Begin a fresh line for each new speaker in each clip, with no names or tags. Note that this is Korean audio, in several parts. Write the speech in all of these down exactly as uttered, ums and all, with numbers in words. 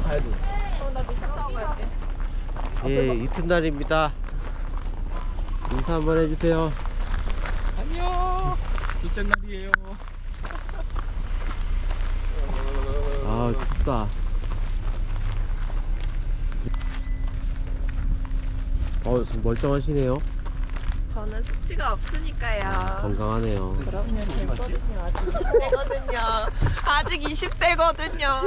가야 돼.
어, 나 네 차 타고 갈게.
예, 이튿날입니다. 인사 한번 해주세요.
안녕. 둘째 날이에요.
아, 춥다. 어, 멀쩡하시네요.
저는 수치가 없으니까요.
건강하네요.
그럼요, 됐거든요. 아직 이십 대거든요. 아직 이십 대거든요.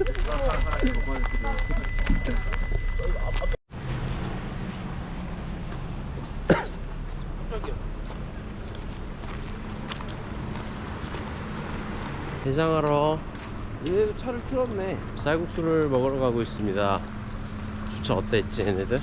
해장하러
얘네도 차를 틀었네.
쌀국수를 먹으러 가고 있습니다. 주차 어땠지, 얘네들?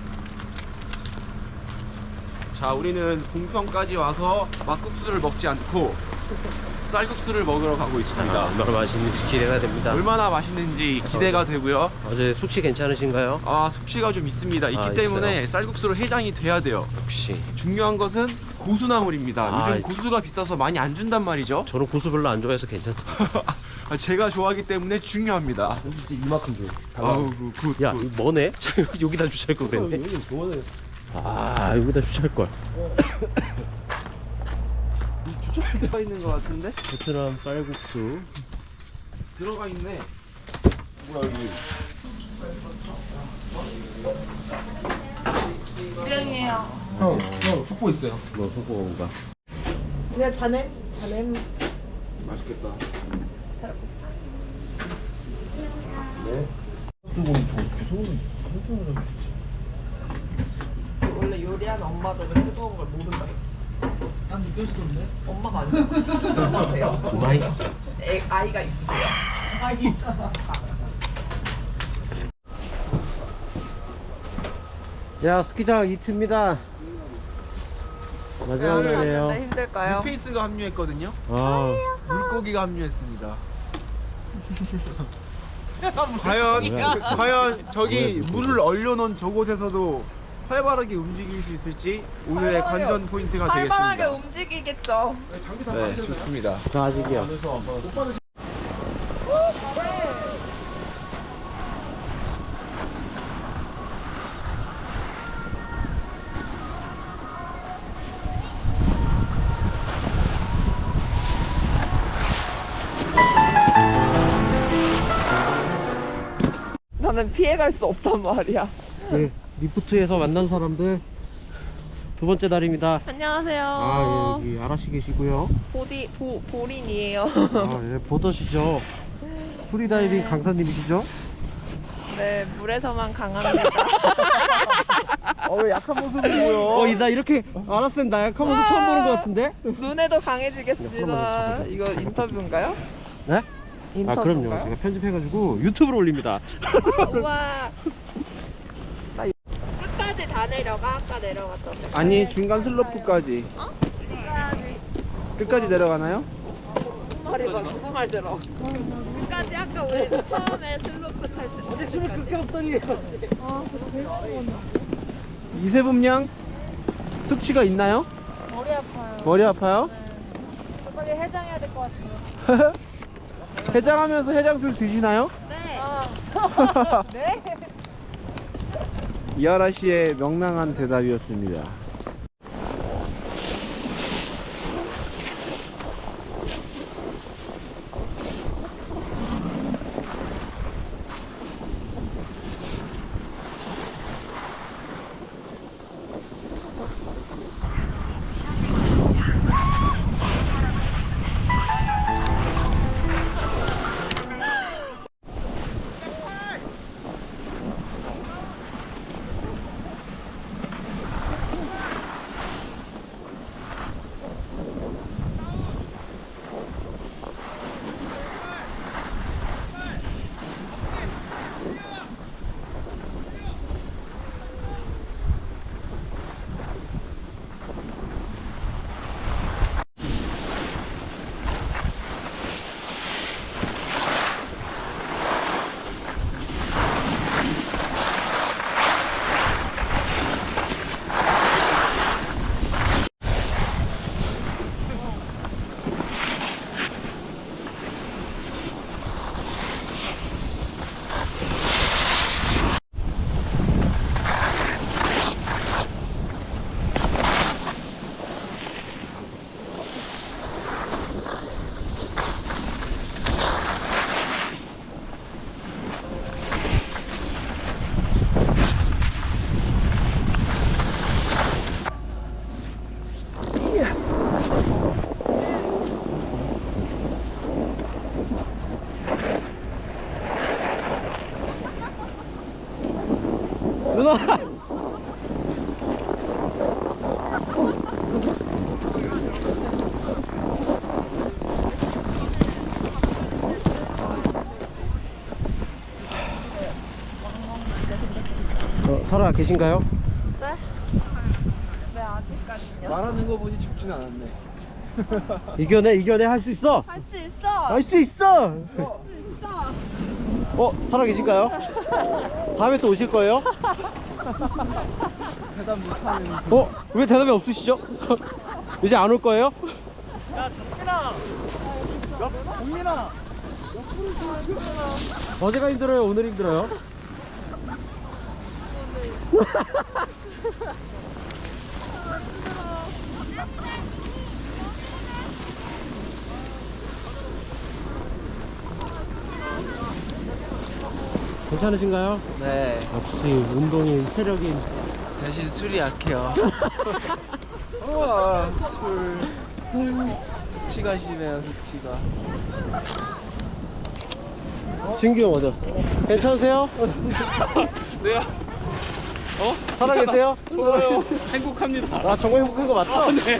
자, 우리는 공평까지 와서 막국수를 먹지 않고 쌀국수를 먹으러 가고 있습니다.
아, 얼마나 맛있는지 기대가 됩니다.
얼마나 맛있는지 기대가 되고요.
어제 숙취 괜찮으신가요?
아, 숙취가 좀 있습니다. 있기
아,
때문에
있어요?
쌀국수로 해장이 돼야 돼요.
역시.
중요한 것은 고수나물입니다.
아,
요즘
이-
고수가 비싸서 많이 안 준단 말이죠.
저는 고수 별로 안 좋아해서 괜찮습니다.
제가 좋아하기 때문에 중요합니다.
이만큼 줘.
아우, 굿, 굿.
야, 이거 뭐네? 여기다 주차할 걸 그랬네.
여기 좋아해.
아, 여기다 주차할 걸.
주차할 데가 있는 것 같은데?
베트남 쌀국수.
들어가 있네.
뭐야 여기?
수영이에요.
형, 형 속보 있어요.
뭐 소고가.
그냥 자네, 자네.
맛있겠다.
네. 뜨거운 저 계속 설명을 해주시지.
원래 요리하는 엄마들은 뜨거운 걸 모른다 했어. 난 느꼈었는데? 엄마가 아니야. 엄마세요?
두바이.
애, 아이가 있으세요? 아이 있잖아.
야, 스키장 이트입니다. 마지막 날이에요.
힘들까요?
뉴페이스가 합류했거든요.
아,
물고기가 합류했습니다. 과연
뭐야?
과연 저기
뭐야,
물을 얼려놓은 저곳에서도 활발하게 움직일 수 있을지 오늘의 관전 포인트가
활발하게
되겠습니다.
움직이겠죠.
네, 좋습니다.
저 아직이요.
나는 피해갈 수 없단 말이야.
네, 리프트에서 만난 사람들 두 번째 날입니다.
안녕하세요.
아, 예, 여기 아라씨 계시고요.
보디 보 보린이에요.
아, 예, 보더시죠. 프리다이빙
네.
강사님이시죠?
네, 물에서만 강합니다.
어, 왜 약한 모습을 보여?
어, 나 이렇게 알았으면 나 약한 모습 처음 보는 것 같은데?
눈에도
야,
강해지겠습니다.
그러면
이거 인터뷰인가요?
네? 아,
인터뷰인가요?
그럼요. 제가 편집해가지고 유튜브로 올립니다.
우와. 나 이- 끝까지 다 내려가. 아까 내려갔던 데.
아니, 중간 슬로프까지.
어? 끝까지.
끝까지 내려가나요?
말해봐. 누구 말 들어? 끝까지 아까 우리 처음에 슬로프 탈 때. 어제 술을 그렇게
없더니.
아, 그래.
이세범 양 숙취가 있나요?
머리 아파요.
머리 아파요?
네. 빨리 해장해야 될 것 같아요.
해장하면서 해장술 드시나요?
네. 네?
이하라 씨의 명랑한 대답이었습니다.
누나. 어, 살아 계신가요?
네? 네, 아직까지요.
말하는 거 보니 죽진 않았네.
이겨내, 이겨내. 할 수 있어.
할 수 있어.
할 수 있어.
할 수 있어.
어, 살아 계신가요? 다음에 또 오실 거예요?
대답 못하는.
어? 왜 대답이 없으시죠? 이제 안 올 거예요?
동민아.
어제가 힘들어요? 오늘 힘들어요? 괜찮으신가요?
네.
역시 운동인, 체력인.
대신 술이 약해요. 우와, 술. 숙취가 심해요, 숙취가.
진규 형 어디 갔어? 괜찮으세요?
네요. 어?
살아계세요?
좋아요. 행복합니다.
아, 정말 행복한 거 맞죠?
아, 네.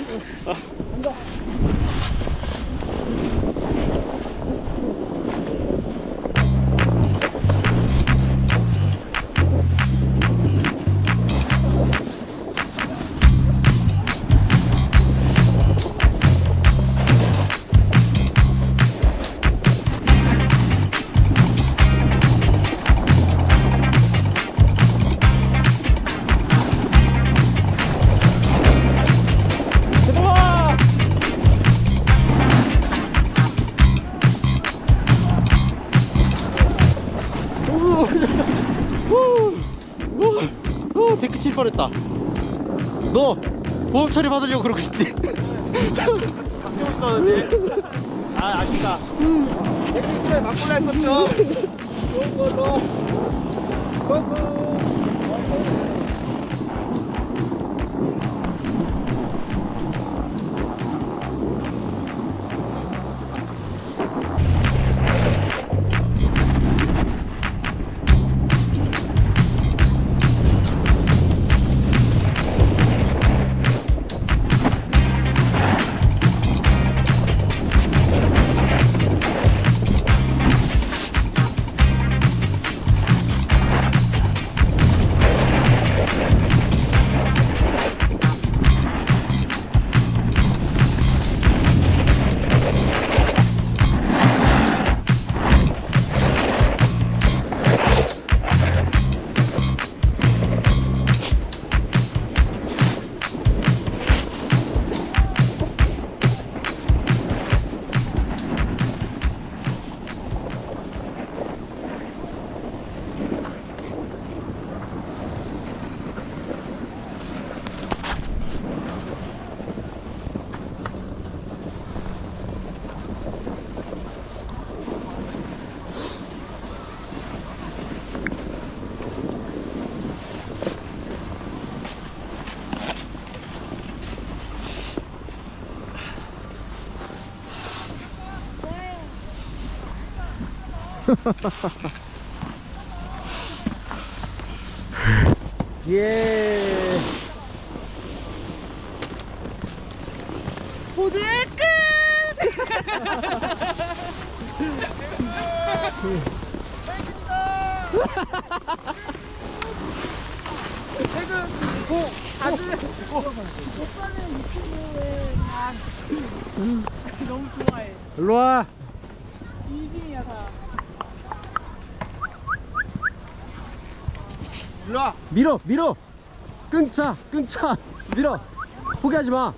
오, 데크 칠 뻔했다. 너 보험 처리 받으려고 그러고 있지?
바뀌고 있었는데. 아, 아쉽다. 백미끼리 맞골라 했었죠. 좋은 걸로. 고고.
예.
모두 끝! 오빠는 유튜브에 다 너무 좋아해.
일로 와.
이중이야 다.
일로 와. 밀어, 밀어. 끊자, 끊자. 밀어. 포기하지 마.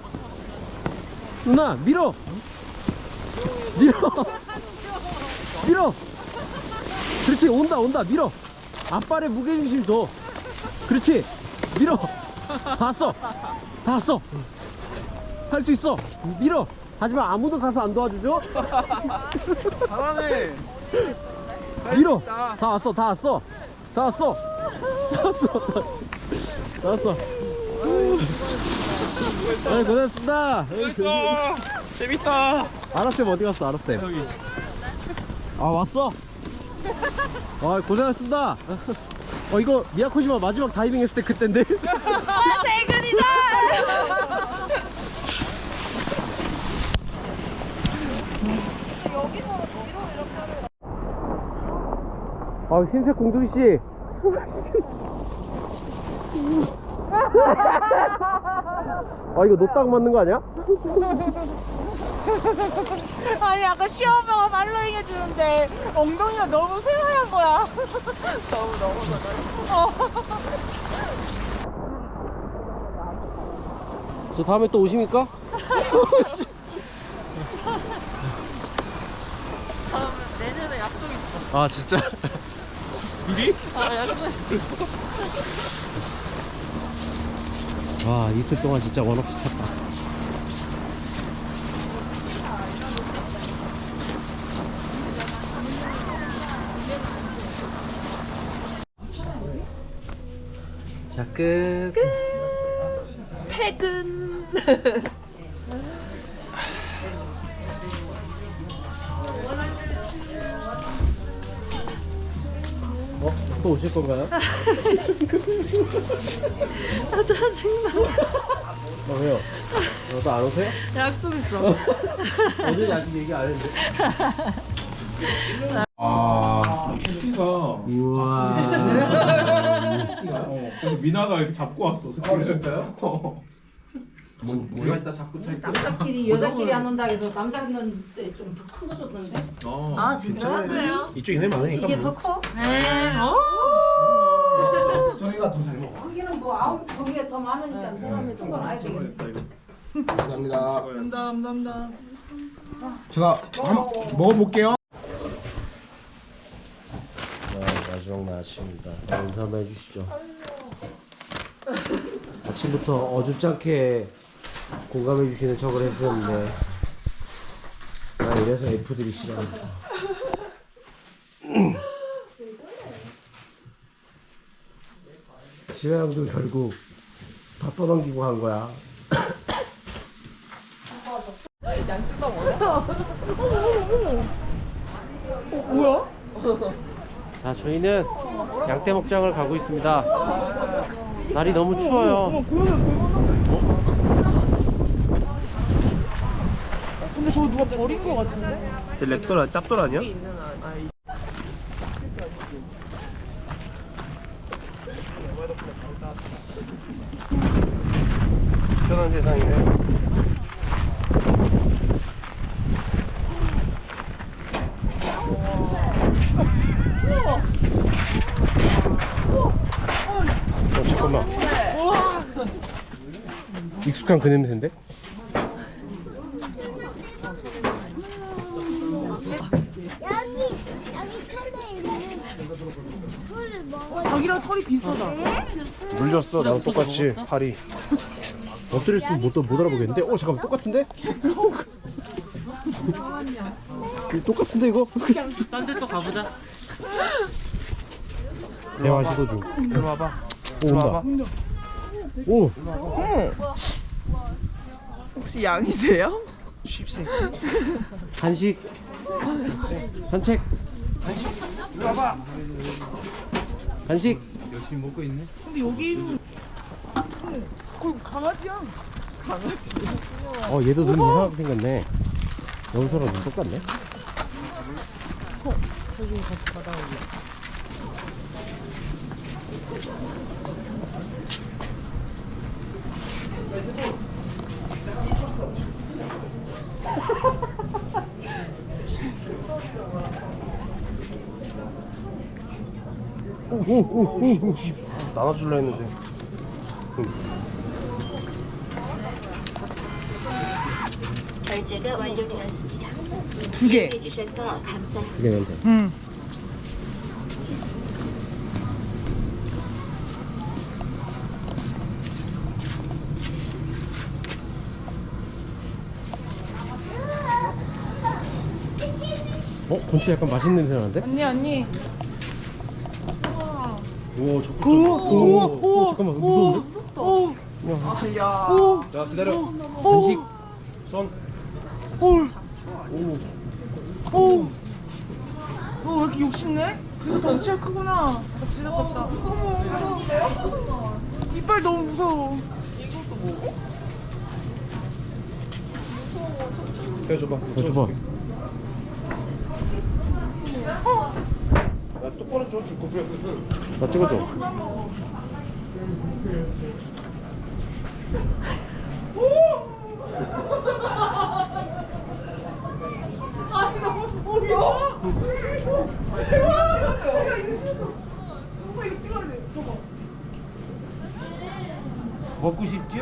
누나, 밀어. 밀어. 밀어. 그렇지, 온다, 온다. 밀어. 앞발에 무게중심 줘. 그렇지. 밀어. 다 왔어. 다 왔어. 할 수 있어. 밀어. 하지만 아무도 가서 안 도와주죠?
잘하네.
밀어. 다 왔어, 다 왔어. 다 왔어. 다 왔어, 다 왔어. 다 왔어. 네, 고생했습니다.
재밌어. 재밌다.
아라쌤 어디 갔어, 아라쌤? 아, 왔어? 아, 고생했습니다. 어 이거 미야코시마 마지막 다이빙 했을 때 그땐데.
아 대근이다.
아 흰색 공두리 씨. 아 이거 노딱 맞는 거 아니야?
아니 아까 시어머니가 팔로잉 해주는데 엉덩이가 너무 새하얀 거야. 너무 너무 너무.
저 다음에 또 오십니까?
내년에 약속 있어.
아 진짜?
미리?
아 약속.
와 이틀 동안 진짜 원 없이 탔다. 자 끝.
퇴근.
어? 또 오실 건가요?
아 짜증나.
어 왜요? 어, 또 안 오세요?
약속 있어.
어제 아직 얘기 안 했는데.
아, 스키가.
우와.
어, 그래서 미나가 이렇게 잡고 왔어. 스키. 진짜요? 어.
제가 이따 잡고 탈게요.
남자끼리 여자끼리 안 온다 해서 남자는 좀 더 큰 거 줬던데.
어.
아 진짜?
이쪽이 내 많으니까.
이게 더 커?
네. 어?
저희가 더 잘 먹어.
거기는 뭐 아홉 거기에 더 많으니까 사람이 큰 걸 아야 되겠네.
됐다 이거.
감사합니다.
감사합니다. 감사합니다.
제가 한번 먹어볼게요.
자, 마지막 날 아침입니다. 인사 한번 해주시죠. 아침부터 어줍지 않게 공감해주시는 척을 해주셨는데, 아, 이래서 F들이 싫어합니다. 지혜양도 결국 다 떠넘기고 간 거야. 자, 저희는 양떼 목장을 가고 있습니다. 날이 너무 추워요.
근데 저거 누가 버린 거 같은데?
제 렉돌 짭돌 아니야? 편한 세상이네.
어, 잠깐만. 익숙한 그 냄새인데?
여기 여기 털에 있는 꿀을 먹어.
자기랑 털이 비슷하다.
물렸어, 나랑 똑같이 팔이. 엎드렸으면 못, 못 알아보겠는데? 어 잠깐만 똑같은데? 똑같은데 이거?
딴 데 또 가보자.
대화 시도 중.
이리 와봐.
오 온다. 오
혹시 양이세요?
쉽세.
간식. 산책. 간식.
이리 와봐.
간식.
근데 여기는 거의 강아지야. 강아지.
어 얘도 눈 이상하게 생겼네. 여기서랑 눈 똑같네. 오오오오 나눠줄라 했는데.
결제가 완료되었습니다.
두 개.
해주셔서 감사합니다.
그냥 돼.
응.
어 곤치 약간 맛있는 냄새 나는데?
언니 언니.
오 적극
오, 오,
잠깐만 무서운데?
오.
야.
오.
자 기다려.
간식. 손.
오.
오.
오. 어, 왜 이렇게 욕심내? 덩치가 크구나. 진짜 컸다. 어머, 이빨 너무 무서워.
해줘봐.
줘봐.
나 똑바로 줘줄 거면.
나 찍어줘.
아니 너무 어이없어. 대박 찍어줘. 야 이거 찍어줘. 오빠 이거 찍어야 돼. 봐봐.
먹고 싶죠?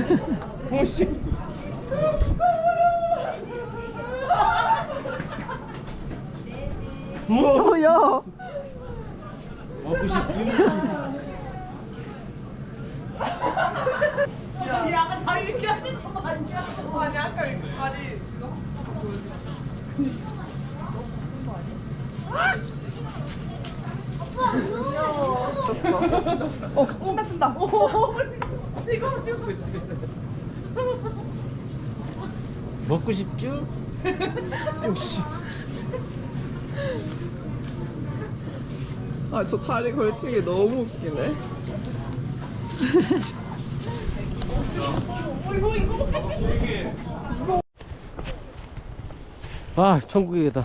뭐야?
먹고 싶죠?
야, 약간 다 이렇게 하는 거 아니야? 아니 아까 이거 다리 이거 어, 오 같은다. 오, 찍어, 찍어.
먹고 싶죠?
아, 저 다리 걸치기 너무 웃기네.
아, 천국이다.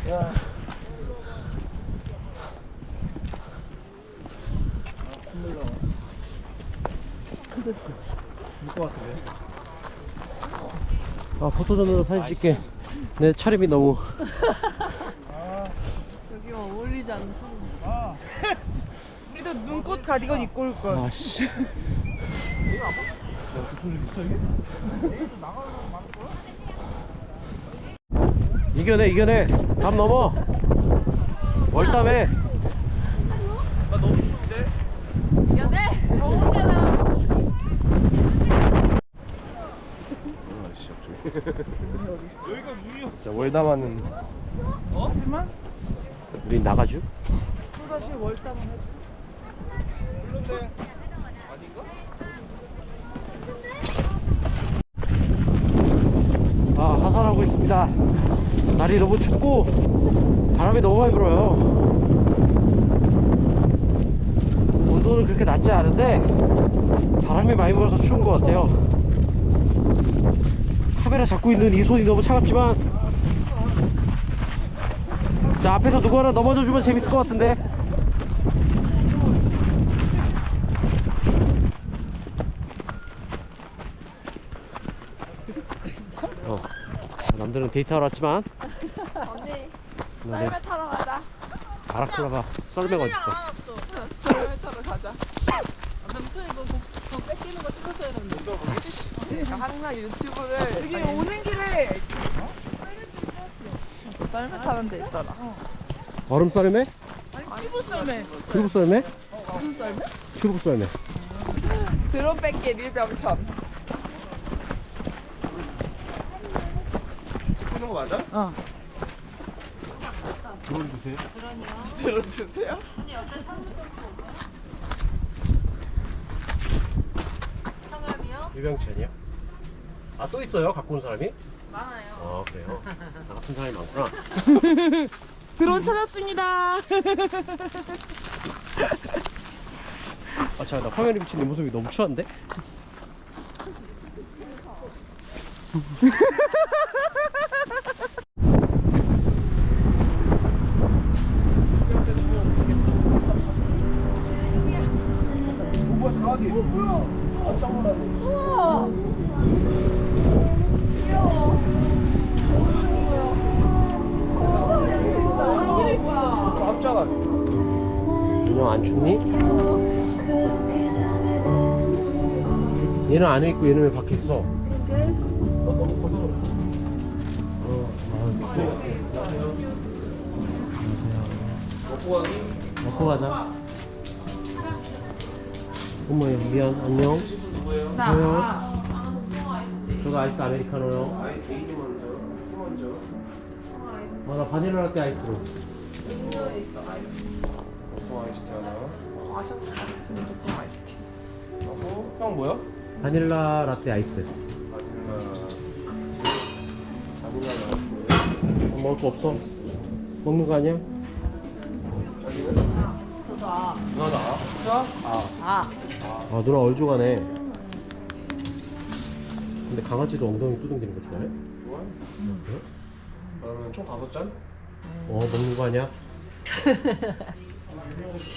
아, 포토존으로 사진 찍게. 내 차림이 너무.
여기만 어울리지 않죠? 우리도 눈꽃 가디건 입고 올 걸.
아, 씨. 이겨내, 이겨내. 담 넘어. 월담해.
연애 더울잖아.
진짜 월담하는.
어? 하지만
우린 나가죠?
또 다시 월담을 해줘.
아, 하산하고 있습니다. 날이 너무 춥고 바람이 너무 많이 불어요. 온도는 그렇게 낮지 않은데 바람이 많이 불어서 추운 것 같아요. 카메라 잡고 있는 이 손이 너무 차갑지만, 자, 앞에서 누구 하나 넘어져 주면 재밌을 것 같은데. 어, 남들은 데이트하러 왔지만
언니
나는
썰매 타러 가자.
바라클라바 썰매가 어딨어.
썰매 타러 가자. 남편 이거 더 뺏기는 거 찍었어야 했는데. 항상 유튜브를 여기 오는 길에 썰매 타는 데 있더라.
얼음 썰매?
아니 피부 썰매.
튜브 썰매?
무슨 썰매?
튜브 썰매.
드론 뺏기 류병천.
찍는 거 맞아?
어.
드론 주세요.
드론 주세요.
유병천이요? 아, 또 있어요? 갖고 온 사람이? 많아요. 아, 그래요? 나 같은 사람이 많구나.
드론 찾았습니다.
아, 잠깐, 나 화면에 비친 내 모습이 너무 추한데?
뭐야 강아지. 깜짝 놀랐네. 깜짝아.
인형 안 춥니? 얘는 안에 있고 얘는 왜 밖에 있어?
너 너무 커서.
어, 아, 추워.
먹고 가기.
먹고 가자. 어머야, 미안, 안녕. 저요. 저도 아이스 아메리카노요.
아이 베이지 먼저. 티 먼저.
어, 나 바닐라 라떼 아이스로.
소화 아이스티 하나.
아셨다. 독성 아이스티.
하고 형 뭐야?
바닐라 라떼 아이스.
바닐라. 바닐라 나왔고.
어, 먹을 거 없어? 먹는 거 아니야?
아니면
아.
누나 나? 자?
아.
아 누나 얼죽하네. 근데 강아지도 엉덩이 뚜둥대는 거 좋아해?
좋아요? 그러면 총 다섯 잔?
어 먹는 거 아니야?